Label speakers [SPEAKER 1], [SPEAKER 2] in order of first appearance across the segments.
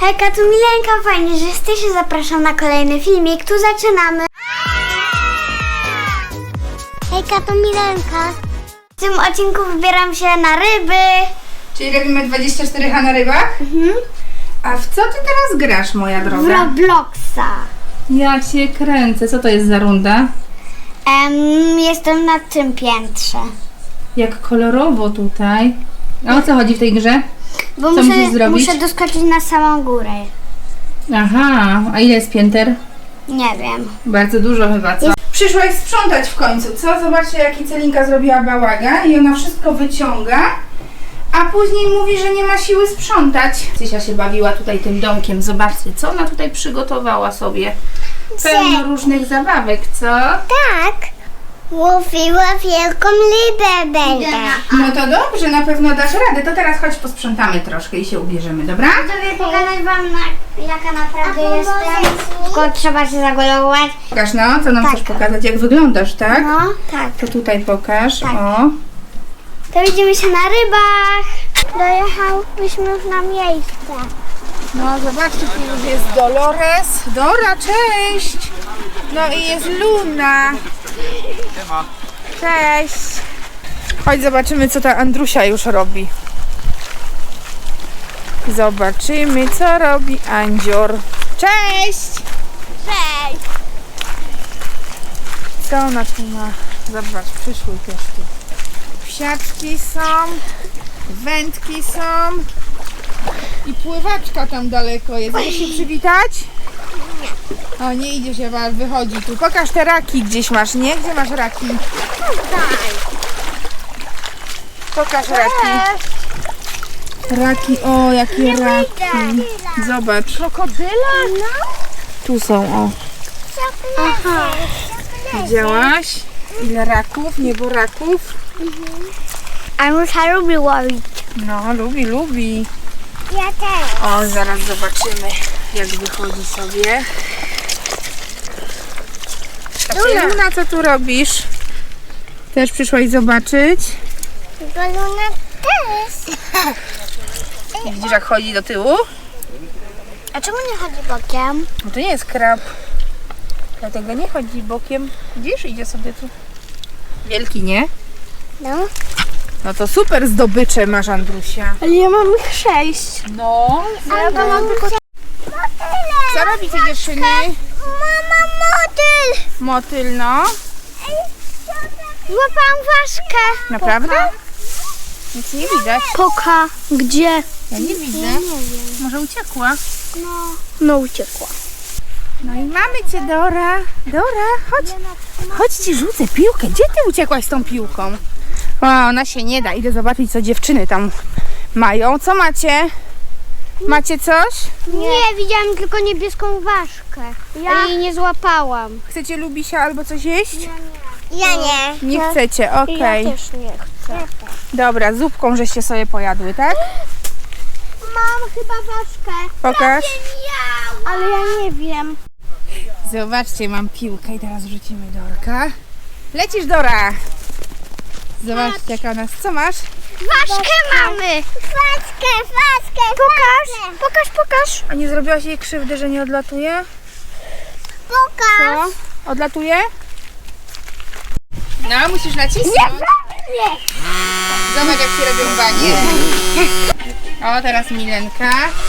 [SPEAKER 1] Hejka, tu Milenka, fajnie, że jesteście, zapraszam na kolejny filmik, tu zaczynamy. Hejka, to Milenka. W tym odcinku wybieram się na ryby.
[SPEAKER 2] Czyli robimy 24H na rybach? A w co ty teraz grasz, moja
[SPEAKER 1] W
[SPEAKER 2] droga?
[SPEAKER 1] Robloxa.
[SPEAKER 2] Ja cię kręcę. Co to jest za runda?
[SPEAKER 1] Jestem na tym piętrze.
[SPEAKER 2] Jak kolorowo tutaj. A o co chodzi w tej grze?
[SPEAKER 1] Bo
[SPEAKER 2] Co musisz zrobić?
[SPEAKER 1] muszę doskoczyć na samą górę.
[SPEAKER 2] Aha, a ile jest pięter?
[SPEAKER 1] Nie wiem.
[SPEAKER 2] Bardzo dużo chyba, co? Przyszłaś sprzątać w końcu, co? Zobaczcie, jaki Celinka zrobiła bałagan i ona wszystko wyciąga, a później mówi, że nie ma siły sprzątać. Cysia się bawiła tutaj tym domkiem. Zobaczcie, co ona tutaj przygotowała sobie. Pełno różnych zabawek, co?
[SPEAKER 1] Tak. Mówiła wielką rybę będę.
[SPEAKER 2] No to dobrze, na pewno dasz radę. To teraz chodź posprzątamy troszkę i się ubierzemy, dobra?
[SPEAKER 1] Chcę pokazać wam, jaka naprawdę jestem. Tylko trzeba się zagolować.
[SPEAKER 2] Pokaż, no, co nam
[SPEAKER 1] Tak.
[SPEAKER 2] chcesz pokazać, jak wyglądasz, tak?
[SPEAKER 1] No, tak.
[SPEAKER 2] To tutaj pokaż,
[SPEAKER 1] Tak.
[SPEAKER 2] o.
[SPEAKER 1] To widzimy się na rybach. Dojechałyśmy już na miejsce.
[SPEAKER 2] No zobaczcie, tu już jest Dolores. Dora, cześć! No i jest Luna. Cześć! Chodź zobaczymy, co ta Andrusia już robi. Zobaczymy, co robi Andzior. Cześć!
[SPEAKER 1] Cześć.
[SPEAKER 2] Co ona tu ma? Zobacz, przyszły też tu. Psiaczki są, wędki są i pływaczka tam daleko jest. Chcesz się przywitać? O, nie idzie się, ale wychodzi tu. Pokaż te raki gdzieś masz, nie? Gdzie masz raki? Pokaż raki. Raki, o, jakie raki. Zobacz.
[SPEAKER 1] Krokodyla? No.
[SPEAKER 2] Tu są, o.
[SPEAKER 1] Aha.
[SPEAKER 2] Widziałaś? Ile raków, nieboraków?
[SPEAKER 1] Anusia lubi łowić.
[SPEAKER 2] No, lubi.
[SPEAKER 1] Ja też.
[SPEAKER 2] O, zaraz zobaczymy, jak wychodzi sobie. A ty, Luna, co tu robisz? Też przyszłaś zobaczyć?
[SPEAKER 1] Luna też.
[SPEAKER 2] Widzisz, jak chodzi do tyłu?
[SPEAKER 1] A czemu nie chodzi bokiem?
[SPEAKER 2] No to nie jest krab. Dlatego nie chodzi bokiem. Widzisz, idzie sobie tu. Wielki, nie?
[SPEAKER 1] No.
[SPEAKER 2] No to super zdobycze masz, Andrusia.
[SPEAKER 1] Ale ja mam ich 6.
[SPEAKER 2] No.
[SPEAKER 1] Ja to mam tylko...
[SPEAKER 2] Co robicie, dziewczyny?
[SPEAKER 1] Mama, motyl!
[SPEAKER 2] Motyl, no.
[SPEAKER 1] Złapałam ważkę.
[SPEAKER 2] Naprawdę? Nic nie widać.
[SPEAKER 1] Poka. Gdzie?
[SPEAKER 2] Ja nie widzę. Może uciekła?
[SPEAKER 1] No uciekła.
[SPEAKER 2] No i mamy cię, Dora. Dora, chodź. Chodź, ci rzucę piłkę. Gdzie ty uciekłaś z tą piłką? O, ona się nie da. Idę zobaczyć, co dziewczyny tam mają. Co macie? Macie coś?
[SPEAKER 1] Nie, widziałam tylko niebieską ważkę. Ja jej nie złapałam.
[SPEAKER 2] Chcecie lubisia albo coś jeść?
[SPEAKER 1] Ja nie.
[SPEAKER 2] Nie chcecie, okej.
[SPEAKER 1] Ja też nie chcę.
[SPEAKER 2] Dobra, zupką żeście sobie pojadły, tak?
[SPEAKER 1] Mam chyba ważkę.
[SPEAKER 2] Pokaż.
[SPEAKER 1] Ale ja nie wiem.
[SPEAKER 2] Zobaczcie, mam piłkę i teraz rzucimy Dorka. Lecisz, Dora! Zobaczcie, jaka ona jest. Co masz?
[SPEAKER 1] Ważkę mamy. Ważkę. Pokaż.
[SPEAKER 2] A nie zrobiłaś jej krzywdy, że nie odlatuje?
[SPEAKER 1] Pokaż.
[SPEAKER 2] Co? Odlatuje? No, musisz nacisnąć.
[SPEAKER 1] Nie.
[SPEAKER 2] Zobacz, jak się robią banie. O, teraz Milenka.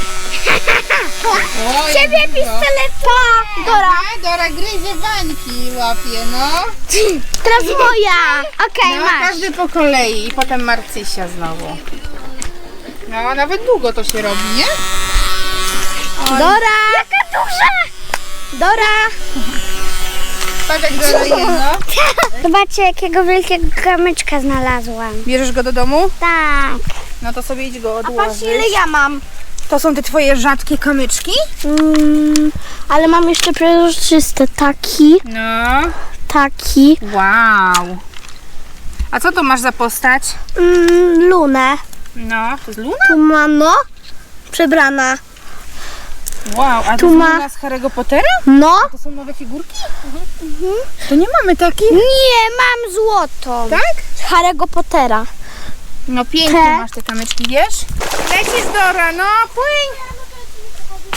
[SPEAKER 2] O,
[SPEAKER 1] Ciebie
[SPEAKER 2] jak dużo.
[SPEAKER 1] pistolet. Dora.
[SPEAKER 2] Aha, Dora gryzie bańki, łapie, no.
[SPEAKER 1] Teraz moja. Okej,
[SPEAKER 2] No,
[SPEAKER 1] masz.
[SPEAKER 2] każdy po kolei i potem Marcysia znowu. No, nawet długo to się robi, nie?
[SPEAKER 1] Dora. Jaka duża. Dora.
[SPEAKER 2] Patrz, jak Dora jedno.
[SPEAKER 1] Zobaczcie, jakiego wielkiego kamyczka znalazłam.
[SPEAKER 2] Bierzesz go do domu?
[SPEAKER 1] Tak.
[SPEAKER 2] No to sobie idź go odłożyć.
[SPEAKER 1] ja mam.
[SPEAKER 2] To są te twoje rzadkie kamyczki?
[SPEAKER 1] Ale mam jeszcze przezroczysty. Taki.
[SPEAKER 2] No.
[SPEAKER 1] Taki.
[SPEAKER 2] Wow. A co to masz za postać?
[SPEAKER 1] Lunę.
[SPEAKER 2] No, to jest Luna?
[SPEAKER 1] Tu mam, no. Przebrana.
[SPEAKER 2] Wow, a to
[SPEAKER 1] Tu
[SPEAKER 2] jest
[SPEAKER 1] ma-
[SPEAKER 2] Luna z Harry'ego Pottera?
[SPEAKER 1] No.
[SPEAKER 2] To są nowe figurki? To nie mamy takich?
[SPEAKER 1] Nie, mam złotą.
[SPEAKER 2] Tak?
[SPEAKER 1] Z Harry'ego Pottera.
[SPEAKER 2] No pięknie
[SPEAKER 1] Te?
[SPEAKER 2] masz te kamyczki, wiesz? Lecisz, Dora, no płyń!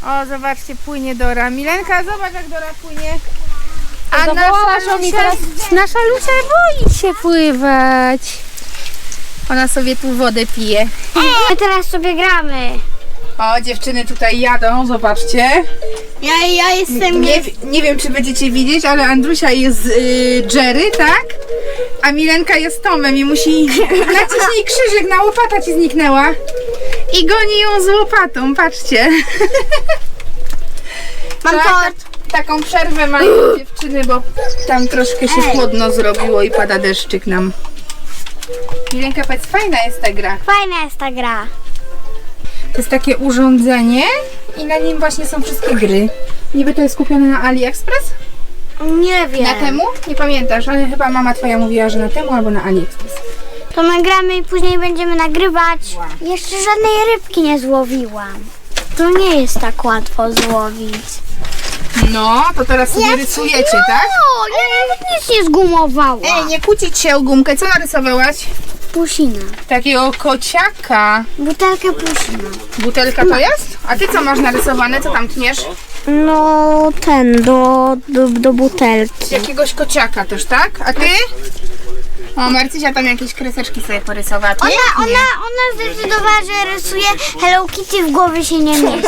[SPEAKER 2] O, zobaczcie, płynie Dora. Milenka, zobacz jak Dora płynie. A
[SPEAKER 3] Nasza Lucia boi się pływać.
[SPEAKER 2] Ona sobie tu wodę pije.
[SPEAKER 1] My teraz sobie gramy.
[SPEAKER 2] O, dziewczyny tutaj jadą, zobaczcie.
[SPEAKER 1] Ja jestem...
[SPEAKER 2] Nie wiem, czy będziecie widzieć, ale Andrusia jest Jerry, tak? A Milenka jest Tomem i musi nacisnij krzyżyk, na łopata ci zniknęła. I goni ją z łopatą, patrzcie.
[SPEAKER 1] Mam tort.
[SPEAKER 2] Taką przerwę mają dziewczyny, bo tam troszkę się chłodno zrobiło i pada deszczyk nam. Milenka, powiedz, fajna jest ta gra.
[SPEAKER 1] Fajna jest ta gra.
[SPEAKER 2] To jest takie urządzenie i na nim właśnie są wszystkie gry. Niby to jest kupione na AliExpress?
[SPEAKER 1] Nie wiem.
[SPEAKER 2] Na temu? Nie pamiętasz, ale chyba mama twoja mówiła, że na temu albo na AliExpress.
[SPEAKER 1] To my gramy i później będziemy nagrywać. Jeszcze żadnej rybki nie złowiłam. To nie jest tak łatwo złowić.
[SPEAKER 2] No, to teraz sobie rysujecie, tak?
[SPEAKER 1] O, ja nawet nic nie zgumowałam.
[SPEAKER 2] Ej, nie kłócić się o gumkę. Co narysowałaś?
[SPEAKER 1] Pusina.
[SPEAKER 2] Takiego kociaka.
[SPEAKER 1] Butelka pusina.
[SPEAKER 2] Butelka to jest? A ty co masz narysowane? Co tam tniesz?
[SPEAKER 1] No ten, do butelki.
[SPEAKER 2] Jakiegoś kociaka też, tak? A ty? O, Marcysia tam jakieś kreseczki sobie porysowała. Pięknie.
[SPEAKER 1] Ona zdecydowała, że rysuje Hello Kitty, w głowie się nie mieści.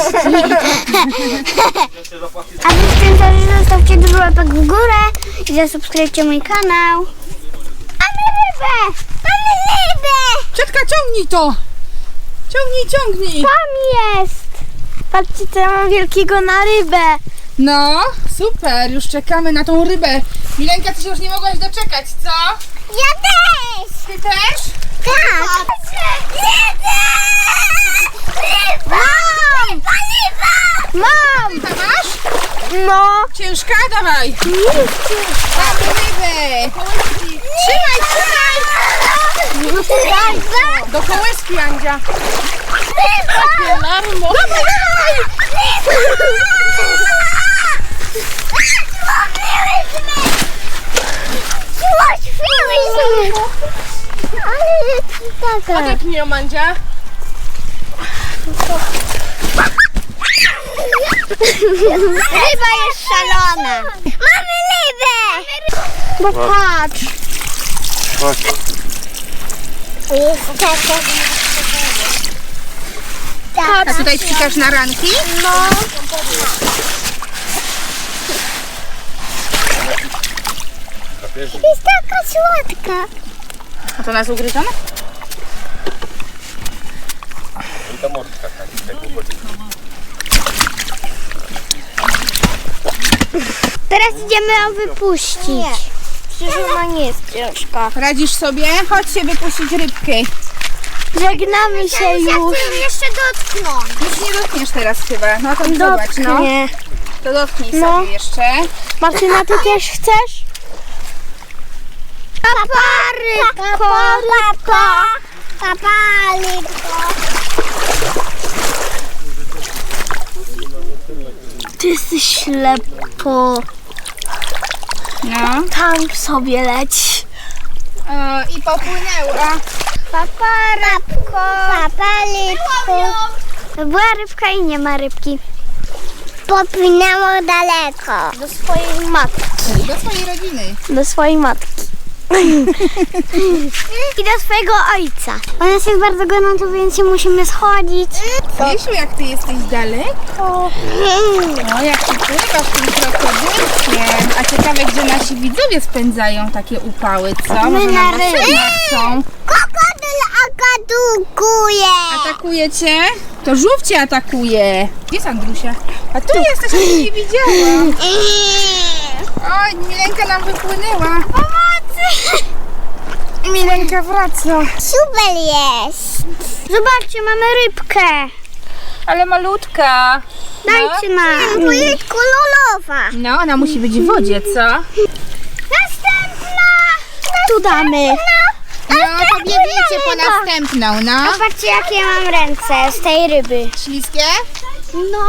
[SPEAKER 1] A wy w tym czasie zostawcie dużo łapek w górę i zasubskrybujcie mój kanał. Mamy rybę! Mamy rybę!
[SPEAKER 2] Ciotka, ciągnij to! Ciągnij!
[SPEAKER 1] Tam jest! Patrzcie, co ja mam wielkiego na rybę.
[SPEAKER 2] No, super, już czekamy na tą rybę. Milenka, ty się już nie mogłaś doczekać, co?
[SPEAKER 1] Ja też!
[SPEAKER 2] Ty też?
[SPEAKER 1] Tak! Mam! Mam!
[SPEAKER 2] Ty tam masz?
[SPEAKER 1] No!
[SPEAKER 2] Ciężka? Dawaj! Mamy rybę! Trzymaj! Do kołyski, Andzia! Larmo! Odepnij ją, Andzia!
[SPEAKER 1] Ryba jest szalona! Mamy rybę! Bo patrz!
[SPEAKER 2] A tutaj ćwikasz na ranki?
[SPEAKER 1] No. Jest taka słodka.
[SPEAKER 2] A to nas ugryzione?
[SPEAKER 1] Teraz idziemy ją wypuścić. Przecież ona nie jest ciężka.
[SPEAKER 2] Radzisz sobie? Chodź się wypuścić rybkę.
[SPEAKER 1] Żegnamy się już. Chcę jeszcze dotknąć.
[SPEAKER 2] Już nie dotkniesz teraz chyba. No to zobacz, no. To dotknij sobie jeszcze.
[SPEAKER 1] Martyna, ty też chcesz? Papa, rybko. Papa, rybko. Ty jesteś ślepo.
[SPEAKER 2] No.
[SPEAKER 1] Tam sobie leć.
[SPEAKER 2] I popłynęła.
[SPEAKER 1] Papa, rybko. Papa, rybko. Była rybka i nie ma rybki. Popłynęło daleko. Do swojej matki.
[SPEAKER 2] Do swojej rodziny.
[SPEAKER 1] Do swojej matki. I do swojego ojca. On jest bardzo gorąco, więc się musimy schodzić.
[SPEAKER 2] Wiesz, jak ty jesteś daleko? No, jak ty pływasz tym krokodylkiem. A ciekawe, gdzie nasi widzowie spędzają takie upały, co?
[SPEAKER 1] My
[SPEAKER 2] Może
[SPEAKER 1] na
[SPEAKER 2] na basynach są.
[SPEAKER 1] Krokodyl atakuje.
[SPEAKER 2] Atakuje cię? To żółw cię atakuje. Gdzie jest Andrusia? A tu jesteś, ja cię nie widziałam. Oj, Milenka nam wypłynęła.
[SPEAKER 1] Pomocy!
[SPEAKER 2] Milenka wraca.
[SPEAKER 1] Super jest. Zobaczcie, mamy rybkę.
[SPEAKER 2] Ale malutka.
[SPEAKER 1] Dajcie nam. To jest kolorowa.
[SPEAKER 2] No, ona musi być w wodzie, co?
[SPEAKER 1] Następna. Tu damy.
[SPEAKER 2] No, pobiegnijcie po następną, no.
[SPEAKER 1] A patrzcie, jakie ja mam ręce z tej ryby.
[SPEAKER 2] Śliskie?
[SPEAKER 1] No.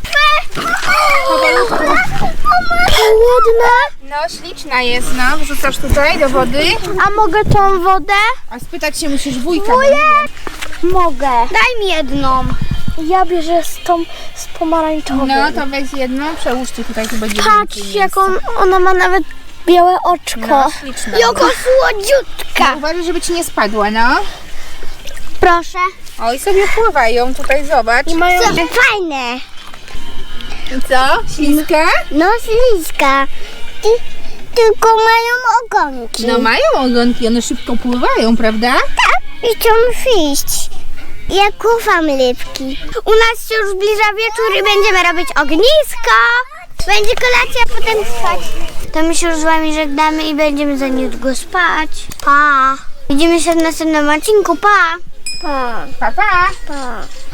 [SPEAKER 2] Głodna? No, śliczna jest, no. Wrzucasz tutaj do wody.
[SPEAKER 1] A mogę tą wodę?
[SPEAKER 2] A spytać się musisz wujka. Bo nie wiem.
[SPEAKER 1] Mogę. Daj mi jedną. Ja bierze z pomarańczową.
[SPEAKER 2] No to weź jedną, przełóżcie tutaj, tu będzie
[SPEAKER 1] Patrz,
[SPEAKER 2] więcej
[SPEAKER 1] jak
[SPEAKER 2] miejsca.
[SPEAKER 1] ona ma nawet białe oczko.
[SPEAKER 2] No, śliczna.
[SPEAKER 1] Jaka słodziutka.
[SPEAKER 2] Uważaj, żeby ci nie spadła, no.
[SPEAKER 1] Proszę.
[SPEAKER 2] Oj, sobie pływają tutaj, zobacz.
[SPEAKER 1] I mają fajne.
[SPEAKER 2] I co? Śliska?
[SPEAKER 1] No śliska. Tylko mają ogonki.
[SPEAKER 2] No mają ogonki, one szybko pływają, prawda?
[SPEAKER 1] Tak, i chcą iść. Ja kocham rybki. U nas się już zbliża wieczór i będziemy robić ognisko. Będzie kolacja, a potem spać. To my się już z wami żegnamy i będziemy za niedługo spać. Pa. Widzimy się w następnym odcinku. Pa. Pa.
[SPEAKER 2] Pa, pa.
[SPEAKER 1] Pa.